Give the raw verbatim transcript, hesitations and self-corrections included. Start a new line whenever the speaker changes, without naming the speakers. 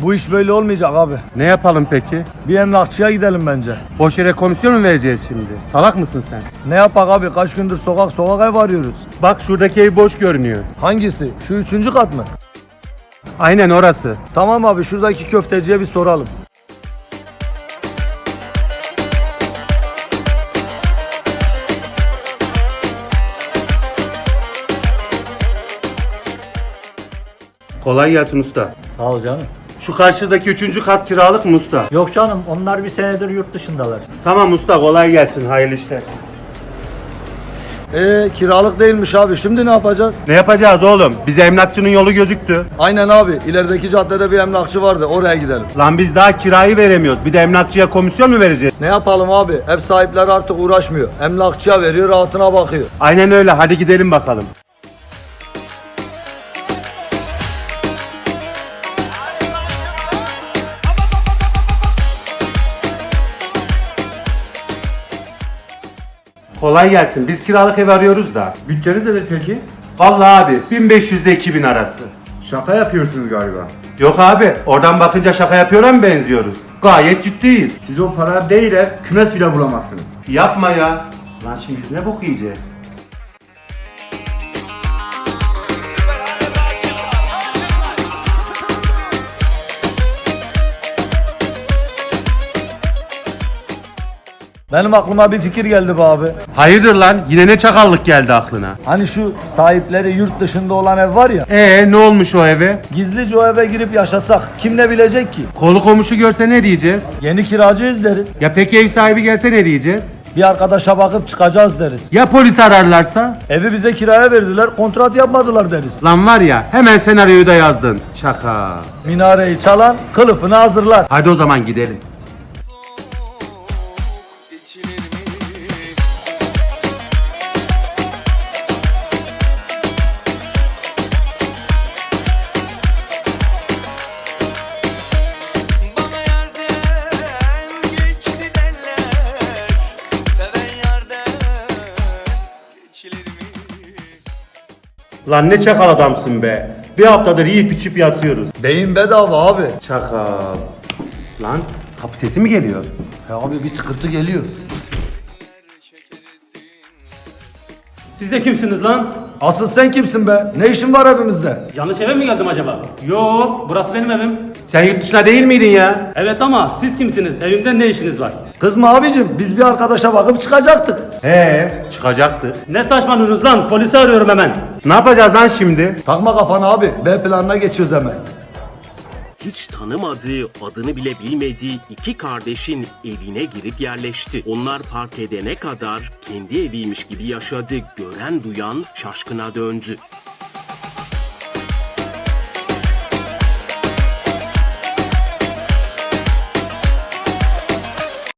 Bu iş böyle olmayacak abi.
Ne yapalım peki?
Bir emlakçıya gidelim bence.
Boş yere komisyon mu vereceğiz şimdi? Salak mısın sen?
Ne yapak abi? Kaç gündür sokak sokak ev arıyoruz.
Bak şuradaki ev boş görünüyor.
Hangisi? Şu üçüncü kat mı?
Aynen orası.
Tamam abi, şuradaki köfteciye bir soralım.
Kolay gelsin usta.
Sağ ol canım.
Şu karşıdaki üçüncü kat kiralık mı usta?
Yok canım, onlar bir senedir yurt dışındalar.
Tamam usta, kolay gelsin, hayırlı işler.
Ee kiralık değilmiş abi. Şimdi ne yapacağız?
Ne yapacağız oğlum? Bize emlakçının yolu gözüktü.
Aynen abi. İlerideki caddede bir emlakçı vardı. Oraya gidelim.
Lan biz daha kirayı veremiyoruz. Bir de emlakçıya komisyon mu vereceğiz?
Ne yapalım abi? Ev sahipleri artık uğraşmıyor. Emlakçıya veriyor, rahatına bakıyor.
Aynen öyle, hadi gidelim bakalım. Kolay gelsin. Biz kiralık ev arıyoruz da.
Bütçeniz nedir peki?
Vallahi abi bin beş yüz ile iki bin arası.
Şaka yapıyorsunuz galiba.
Yok abi, oradan bakınca şaka yapıyor'a mı benziyoruz? Gayet ciddiyiz.
Siz o para değil ev, kümes bile bulamazsınız.
Yapma ya. Lan şimdi biz ne bok yiyeceğiz?
Benim aklıma bir fikir geldi be abi.
Hayırdır lan? Yine ne çakallık geldi aklına?
Hani şu sahipleri yurt dışında olan ev var ya.
Ee ne olmuş o eve?
Gizlice o eve girip yaşasak kim ne bilecek ki?
Kolu komşu görse ne diyeceğiz?
Yeni kiracıyız deriz.
Ya peki ev sahibi gelse ne diyeceğiz?
Bir arkadaşa bakıp çıkacağız deriz.
Ya polis ararlarsa?
Evi bize kiraya verdiler, kontrat yapmadılar deriz.
Lan var ya, hemen senaryoyu da yazdın. Şaka.
Minareyi çalan kılıfını hazırlar.
Hadi o zaman gidelim. Lan ne çakal adamsın be. Bir haftadır yiyip içip yatıyoruz.
Beyin bedava abi.
Çakal. Lan kapı sesi mi geliyor?
Ya abi bir tıkırtı geliyor.
Siz de kimsiniz lan?
Asıl sen kimsin be? Ne işin var evimizde?
Yanlış eve mi geldim acaba? Yok, burası benim evim.
Sen yurt dışına değil miydin ya?
Evet ama siz kimsiniz? Evimde ne işiniz var?
Kızma abicim, biz bir arkadaşa bakıp çıkacaktık.
He, çıkacaktı.
Ne saçmalıyorsunuz lan? Polisi arıyorum hemen.
Ne yapacağız lan şimdi?
Takma kafana abi, B planına geçiyoruz hemen.
Hiç tanımadığı, adını bile bilmediği iki kardeşin evine girip yerleşti. Onlar fark edene kadar kendi eviymiş gibi yaşadı. Gören duyan şaşkına döndü.